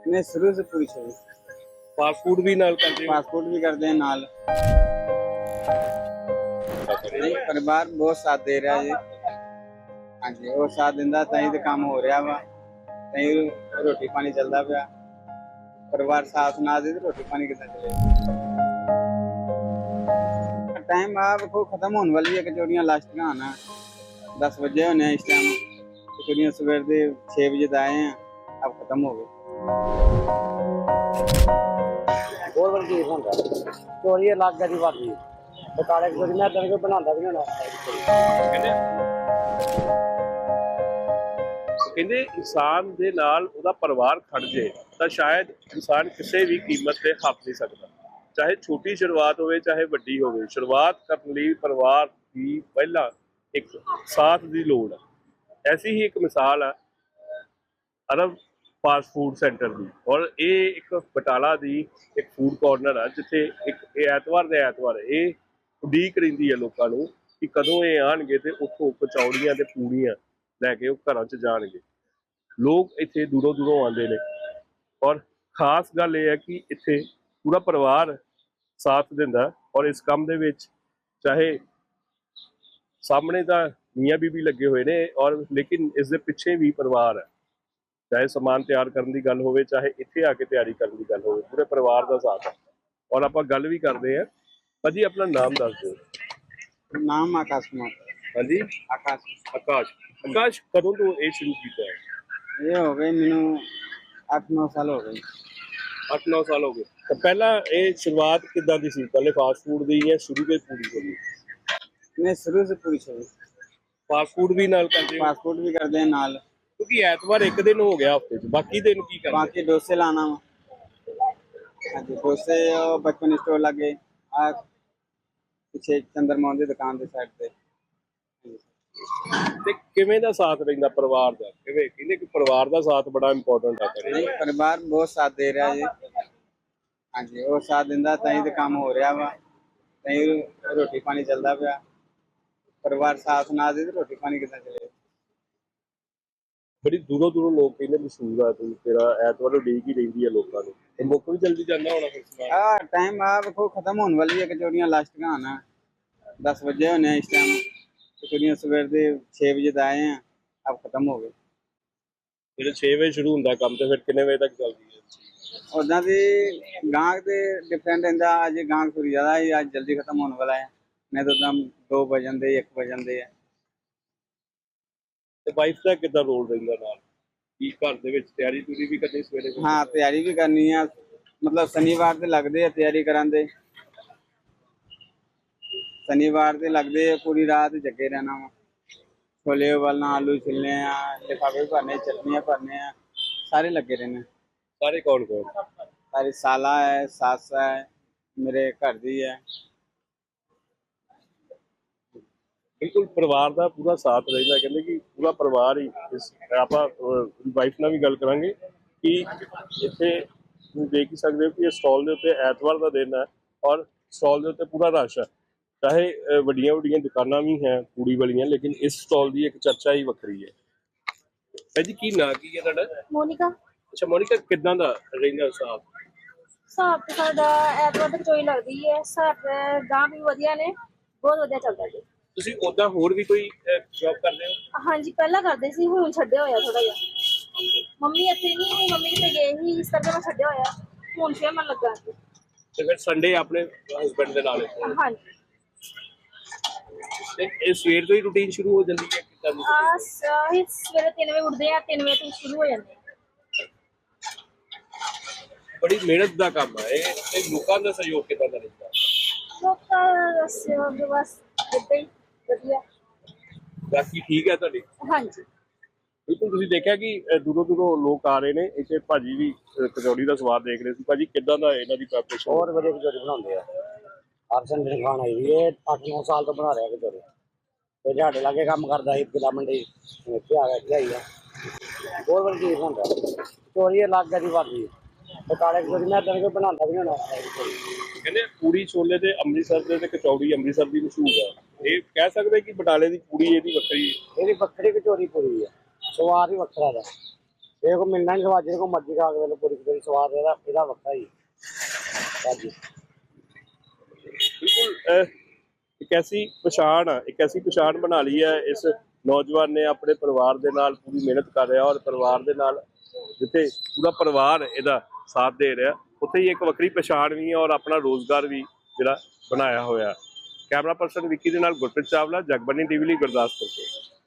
नहीं शुरू से पूरी छवि फास्ट फूड भी नाल करते हो? पासपोर्ट भी करते हैं नाल। नहीं परिवार बहुत साथ दे रहा है जी। हाँ जी वो साथ दिंदा ताई ते काम हो रहा वा, ताई रोटी पानी चलता पिया। परिवार साथ ना दे तो रोटी पानी कितना चलेगा। टाइम आप को खत्म होने वाली है, कचौड़ियाँ लास्ट का आना 10 बजे होने इस टाइम। कचौड़ियाँ सवेर के 6 बजे आए हैं, अब खत्म हो गए। बहुत बड़ी चीज होता है चोरी अलग है जी बाकी बकाले चोरी मैं तेरे को बनाता भी नहीं ਕਹਿੰਦੇ ਇਨਸਾਨ ਦੇ ਨਾਲ ਉਹਦਾ ਪਰਿਵਾਰ ਖੜ ਜੇ ਤਾਂ ਸ਼ਾਇਦ ਇਨਸਾਨ ਕਿਸੇ ਵੀ ਕੀਮਤ ਤੇ ਹੱਥ ਨਹੀਂ ਸਕਦਾ। ਚਾਹੇ ਛੋਟੀ ਸ਼ੁਰੂਆਤ ਹੋਵੇ ਚਾਹੇ ਵੱਡੀ ਹੋਵੇ, ਸ਼ੁਰੂਆਤ ਕਰਨ ਲਈ ਪਰਿਵਾਰ ਦੀ ਪਹਿਲਾਂ ਇੱਕ ਸਾਥ ਦੀ ਲੋੜ ਹੈ। ਐਸੀ ਹੀ ਇੱਕ ਮਿਸਾਲ ਹੈ ਅਰਬ ਫਾਸਟ ਫੂਡ ਸੈਂਟਰ ਦੀ, ਔਰ ਇਹ ਇੱਕ ਬਟਾਲਾ ਦੀ ਇੱਕ ਫੂਡ ਕਾਰਨਰ ਹੈ ਜਿੱਥੇ ਇੱਕ ਇਹ ਐਤਵਾਰ ਦੇ ਐਤਵਾਰ ਇਹ ਉਡੀਕ ਰਹਿੰਦੀ ਹੈ ਲੋਕਾਂ ਨੂੰ ਕਿ ਕਦੋਂ ਇਹ ਆਣਗੇ ਤੇ ਉੱਥੋਂ ਕਚੌੜੀਆਂ ਤੇ ਪੂੜੀਆਂ ਲੈ ਕੇ ਉਹ ਘਰਾਂ 'ਚ ਜਾਣਗੇ। ਲੋਕ ਇੱਥੇ ਦੂਰੋਂ ਦੂਰੋਂ ਆਉਂਦੇ ਨੇ ਔਰ ਖਾਸ ਗੱਲ ਇਹ ਹੈ ਕਿ ਇੱਥੇ ਪੂਰਾ ਪਰਿਵਾਰ ਸਾਥ ਦਿੰਦਾ ਔਰ ਇਸ ਕੰਮ ਦੇ ਵਿੱਚ ਚਾਹੇ ਸਾਹਮਣੇ ਤਾਂ ਮੀਆਂ ਬੀਬੀ ਲੱਗੇ ਹੋਏ ਨੇ ਔਰ ਲੇਕਿਨ ਇਸ ਦੇ ਪਿੱਛੇ ਵੀ ਪਰਿਵਾਰ ਹੈ। ਚਾਹੇ ਸਮਾਨ ਤਿਆਰ ਕਰਨ ਦੀ ਗੱਲ ਹੋਵੇ ਚਾਹੇ ਇੱਥੇ ਆ ਕੇ ਤਿਆਰੀ ਕਰਨ ਦੀ ਗੱਲ ਹੋਵੇ, ਪੂਰੇ ਪਰਿਵਾਰ ਦਾ ਸਾਥ ਹੈ। ਔਰ ਆਪਾਂ ਗੱਲ ਵੀ ਕਰਦੇ ਹਾਂ। ਭਾਜੀ ਆਪਣਾ ਨਾਮ ਦੱਸ ਦਿਓ। नाम आकाश कुमार। ਹਾਂਜੀ आकाश ਆਕਾਸ਼। ਆਕਾਸ਼ ਕਦੋਂ ਤੋਂ ਇਹ ਸ਼ੁਰੂ ਕੀਤਾ ਹੈ? ये हो गए मैनू 8-9 साल हो गए। 8-9 ਸਾਲ ਹੋ ਗਏ। ਤਾਂ ਪਹਿਲਾਂ ਇਹ ਸ਼ੁਰੂਆਤ ਕਿੱਦਾਂ ਦੀ ਸੀ? ਪਹਿਲੇ ਫਾਸਟ ਫੂਡ ਦੀ ਜਾਂ ਸ਼ੁਰੂ ਤੋਂ ਪੂਰੀ ਹੋਈ? नहीं शुरू से पूरी छवि ਫਾਸਟ ਫੂਡ ਵੀ ਨਾਲ ਕਰਦੇ ਹੋ? पासपोर्ट भी करते हैं नाल। ਕਿਉਂਕਿ ਐਤਵਾਰ ਇੱਕ ਦਿਨ ਹੋ ਗਿਆ ਹਫਤੇ 'ਚ, ਬਾਕੀ ਦਿਨ ਕੀ ਕਰਦੇ? बाकी डोसे लाना वा। हाँ जी डोसे और बचपन स्टोर लगे आ पीछे चंद्रमा की दुकान के साइड पे। ਤੇ ਕਿਵੇਂ ਦਾ ਸਾਥ ਰਹਿੰਦਾ ਪਰਿਵਾਰ ਦਾ? ਕਿਵੇਂ ਕਹਿੰਦੇ ਕਿ ਪਰਿਵਾਰ ਦਾ ਸਾਥ ਬੜਾ ਇੰਪੋਰਟੈਂਟ ਹੈ ਘਰੇ। नहीं परिवार बहुत साथ दे रहा है जी। हाँ जी वो साथ दिंदा ताई ते काम हो रहा वा, ताई रोटी पानी चलता पिया। परिवार साथ ना दे तो रोटी पानी कितना चलेगा। ਬੜੀ ਦੂਰੋਂ ਦੂਰੋਂ ਲੋਕ ਕਹਿੰਦੇ ਮਸ਼ਹੂਰ ਆ ਤੂੰ, ਤੇਰਾ ਐਤਵਾਰ ਉਡੀਕ ਹੀ ਰਹਿੰਦੀ ਹੈ ਲੋਕਾਂ ਨੂੰ। ਤੇ ਮੁੱਕ ਵੀ ਜਲਦੀ ਜਾਂਦਾ ਹੋਣਾ ਫਿਰ ਸਮਾਨ। टाइम आप को खत्म होने वाली है, कचौड़ियाँ लास्ट का आना 10 बजे होने इस टाइम। कचौड़ियाँ सवेर के 6 बजे आए हैं, अब खत्म हो गए। ਜਦੋਂ 6 ਵਜੇ ਸ਼ੁਰੂ ਹੁੰਦਾ ਕੰਮ ਤੇ ਫਿਰ ਕਿੰਨੇ ਵਜੇ ਤੱਕ ਚੱਲਦੀ ਹੈ? उदा भी गाहक से डिफरेंट रहता। अज गाहक थोड़ी ज्यादा है, अज जल्दी खत्म होने वाला है, नहीं तो एकदम 2 बजन दे 1 बजन दे है। ਤੇ ਵਾਈਫ ਦਾ ਕਿੱਦਾਂ ਰੋਲ ਰਹਿੰਦਾ ਨਾਲ? ਕੀ ਘਰ ਦੇ ਵਿੱਚ ਤਿਆਰੀ ਤੁਰੀ ਵੀ ਕਰਨੀ ਸਵੇਰੇ? हाँ तैयारी भी करनी है, मतलब शनिवार से लगते है तैयारी करांदे। शनिवार से लगते है पूरी रात जगे रहना वा। छोले उबालना, आलू छिलने हैं, लिफाफे भरने, चटनियाँ भरने हैं, सारे लगे रहने। ਸਾਰੇ ਕੌਣ ਕੌਣ? सारी साला है, सास है, मेरे घर दी है। ਬਿਲਕੁਲ ਪਰਿਵਾਰ ਦਾ ਪੂਰਾ ਸਾਥ ਰਹਿੰਦਾ। ਕਹਿੰਦੇ ਕਿ ਪੂਰਾ ਪਰਿਵਾਰ ਹੀ ਇਸ ਆਪਾਂ ਵਾਈਫ ਨਾਲ ਵੀ ਗੱਲ ਕਰਾਂਗੇ ਕਿ ਇੱਥੇ ਤੁਸੀਂ ਦੇਖ ਹੀ ਸਕਦੇ ਹੋ ਕਿ ਇਹ ਸਟਾਲ ਦੇ ਉੱਤੇ ਐਤਵਾਰ ਦਾ ਦਿਨ ਹੈ ਔਰ ਸਟਾਲ ਦੇ ਉੱਤੇ ਪੂਰਾ ਰਸ਼ ਹੈ। ਚਾਹੇ ਵੱਡੀਆਂ ਵੱਡੀਆਂ ਦੁਕਾਨਾਂ ਵੀ ਹੈ ਪੂੜੀ ਵਾਲੀਆਂ, ਲੇਕਿਨ ਇਸ ਸਟਾਲ ਦੀ ਇੱਕ ਚਰਚਾ ਹੀ ਵੱਖਰੀ ਹੈ। ਭਾਈ ਜੀ ਕੀ ਨਾਂ ਕੀ ਹੈ ਤੁਹਾਡਾ? ਮੋਨਿਕਾ। ਅੱਛਾ ਮੋਨਿਕਾ, ਕਿੱਦਾਂ ਦਾ ਰਹਿੰਦਾ ਸਾਥ? ਹਿਸਾਬ ਤੇ ਸਾਡਾ ਐਤਵਾਰ ਤੱਕ ਚੋਈ ਲੱਗਦੀ ਹੈ। ਸਾਡੇ ਗਾਂ ਵੀ ਵਧੀਆ ਨੇ, ਬਹੁਤ ਵਧੀਆ ਚੱਲਦਾ ਜੀ। ਤੁਸੀਂ ਉੱਦਾਂ ਹੋਰ ਵੀ ਕੋਈ ਜੌਬ ਕਰਦੇ ਹੋ? ਹਾਂਜੀ ਪਹਿਲਾਂ ਕਰਦੇ ਸੀ, ਹੁਣ ਛੱਡਿਆ ਹੋਇਆ ਥੋੜਾ ਜਿਹਾ। ਮੰਮੀ ਇੱਥੇ ਨਹੀਂ, ਮੰਮੀ ਕਿਤੇ ਗਏ ਸੀ, ਇਸ ਕਰਕੇ ਮੈਂ ਛੱਡਿਆ ਹੋਇਆ। ਹੁਣ ਫੇਰ ਮਨ ਲੱਗਾ। ਤੇ ਫਿਰ ਸੰਡੇ ਆਪਣੇ ਹਸਬੈਂਡ ਦੇ ਨਾਲ ਇੱਥੇ? ਹਾਂਜੀ ਤੇ ਇਹ ਸਵੇਰ ਤੋਂ ਹੀ ਰੂਟੀਨ ਸ਼ੁਰੂ ਹੋ ਜਾਂਦੀ ਹੈ ਕਿੱਦਾਂ ਦੀ? ਅਸੀਂ ਸਵੇਰੇ 3 ਵਜੇ ਉੱਠਦੇ ਆ, 3 ਵਜੇ ਤੋਂ ਸ਼ੁਰੂ ਹੋ ਜਾਂਦੇ ਆ। ਬੜੀ ਮਿਹਨਤ ਦਾ ਕੰਮ ਹੈ ਇਹ। ਤੇ ਲੋਕਾਂ ਦਾ ਸਹਿਯੋਗ ਕਿੱਦਾਂ ਦਾ ਰਹਿੰਦਾ? ਲੋਕਾਂ ਦਾ ਸਹਿਯੋਗ ਬਸ ਏਦਾਂ ਹੀ ਵਧੀਆ। ਬਾਕੀ ਠੀਕ ਹੈ ਤੁਹਾਡੀ? ਹਾਂਜੀ ਬਿਲਕੁਲ। ਤੁਸੀਂ ਦੇਖਿਆ ਕਿ ਦੂਰੋਂ ਦੂਰੋਂ ਲੋਕ ਆ ਰਹੇ ਨੇ ਇੱਥੇ। ਭਾਜੀ ਵੀ ਕਚੌੜੀ ਦਾ ਸਵਾਦ ਦੇਖ ਰਹੇ ਸੀ। ਭਾਜੀ ਕਿੱਦਾਂ ਦਾ ਇਹਨਾਂ ਦੀ ਪ੍ਰੈਪਰੇਸ਼ਨ? ਬਹੁਤ ਵਧੀਆ ਕਚੋਰੀ ਬਣਾਉਂਦੇ ਆ। ਹਰ ਸੰਡੇ ਖਾਣ ਆਈ ਵੀ ਇਹ 8-9 ਸਾਲ ਤੋਂ ਬਣਾ ਰਿਹਾ ਕਚੋਰੀ। ਤੇ ਸਾਡੇ ਲਾਗੇ ਕੰਮ ਕਰਦਾ ਸੀ ਕਿਲਾ ਮੰਡੀ, ਇੱਥੇ ਆ ਗਿਆ, ਇੱਥੇ ਆਈ ਆ। ਬਹੁਤ ਬੜੀ ਚੀਜ਼ ਹੁੰਦਾ ਕਚੋਰੀ ਅਲੱਗ ਹੈ ਜੀ ਬਾਕੀ ਬਕਾਲੇ ਚੋਰੀ ਮੈਂ ਤੇਰੇ ਕੋਲ ਬਣਾਉਂਦਾ ਵੀ ਨਹੀਂ ਹੋਣਾ। ਕਹਿੰਦੇ ਪੂੜੀ ਛੋਲੇ ਤੇ ਅੰਮ੍ਰਿਤਸਰ ਦੇ ਤੇ ਕਚੌੜੀ ਅੰਮ੍ਰਿਤਸਰ ਦੀ ਮਸ਼ਹੂਰ ਹੈ। ਇਹ ਕਹਿ ਸਕਦੇ ਕਿ ਬਟਾਲੇ ਦੀ ਪੂੜੀ ਇਹਦੀ ਵੱਖਰੀ? ਇਹਦੀ ਵੱਖਰੀ ਕਚੋਰੀ ਪੂਰੀ ਹੈ, ਸਵਾਦ ਹੀ ਵੱਖਰਾ ਦਾ। ਇਹ ਕੋ ਮਿਲਣਾ ਨਹੀਂ ਸਵਾਦ, ਜਿਹਦੇ ਕੋ ਮਰਜ਼ੀ ਖਾ ਕੇ ਵੇਲੇ ਪੂਰੀ ਪੂਰੀ ਸਵਾਦ ਇਹਦਾ ਵੱਖਰਾ ਹੀ ਭਾਜੀ। ਬਿਲਕੁਲ ਇੱਕ ਐਸੀ ਪਛਾਣ ਆ, ਇੱਕ ਐਸੀ ਪਛਾਣ ਬਣਾ ਲਈ ਹੈ ਇਸ ਨੌਜਵਾਨ ਨੇ, ਆਪਣੇ ਪਰਿਵਾਰ ਦੇ ਨਾਲ ਪੂਰੀ ਮਿਹਨਤ ਕਰ ਰਿਹਾ, ਔਰ ਪਰਿਵਾਰ ਦੇ ਨਾਲ ਜਿੱਥੇ ਪੂਰਾ ਪਰਿਵਾਰ ਇਹਦਾ ਸਾਥ ਦੇ ਰਿਹਾ, ਉੱਥੇ ਹੀ ਇੱਕ ਵੱਖਰੀ ਪਛਾਣ ਵੀ ਹੈ ਔਰ ਆਪਣਾ ਰੋਜ਼ਗਾਰ ਵੀ ਜਿਹੜਾ ਬਣਾਇਆ ਹੋਇਆ। ਕੈਮਰਾ ਪਰਸਨ ਵਿੱਕੀ ਦੇ ਨਾਲ ਗੁਰਪ੍ਰੀਤ ਚਾਵਲਾ, ਜਗਬਾਣੀ ਟੀਵੀ ਲਈ ਗੁਰਦਾਸਪੁਰ ਤੋਂ।